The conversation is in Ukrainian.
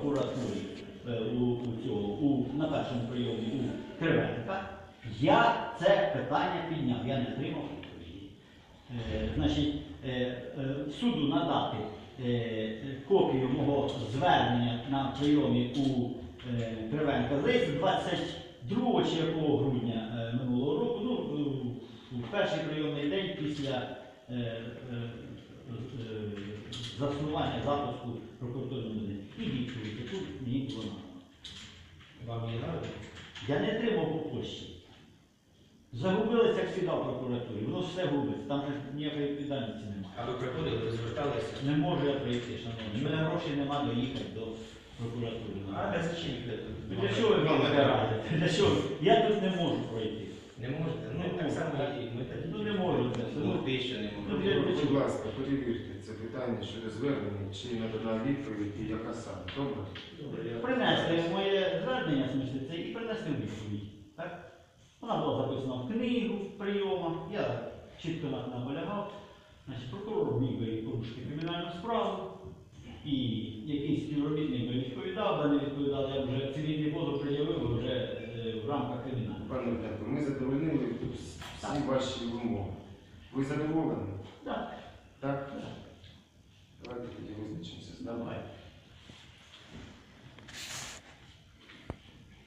прокуратурі на першому прийомі у Кривенка, я це питання підняв, я не отримав відповіді. Значить, суду надати копію мого звернення на прийомі у Кривенка. Здається, 22 чи якого грудня минулого року, ну, в перший прийомний день після заснування запуску прокуратурної людини. І відповідь, яку мені було надано. Вам не надо? Я не отримав по почті. Загубилися, як завжди в прокуратурі. Воно все губиться, там же ніякої відповідальності немає. А ви приходили, ви зверталися? Не можу я прийти, шановні. У мене грошей немає доїхати до прокуратури. А для зачем ви тут? Для чого ви мене радите? Для чого? Я тут не можу пройти. Не можете? Ну, Не так можу. само і ми такі. Ну не можу це все. Ну, ти ще не Ну, можете. Будь ласка, перевірте це питання щодо звернення, чи надана відповідь і яка саме. Добре? Принести моє звернення, в смысле, це і принести відповідь. Так? Вона була записана в книгу, в прийомах, я чітко наполягав. Значить, прокурор міг би порушити кримінальну справу, і якийсь співробітник би відповідав, а не відповідав, я вже цивільний позов пред'явив вже в рамках кримінального. Пане Дмитро, ми задовольнили всі ваші вимоги. Ви задоволені? Так. Так? Давайте тоді визначимося. Давай.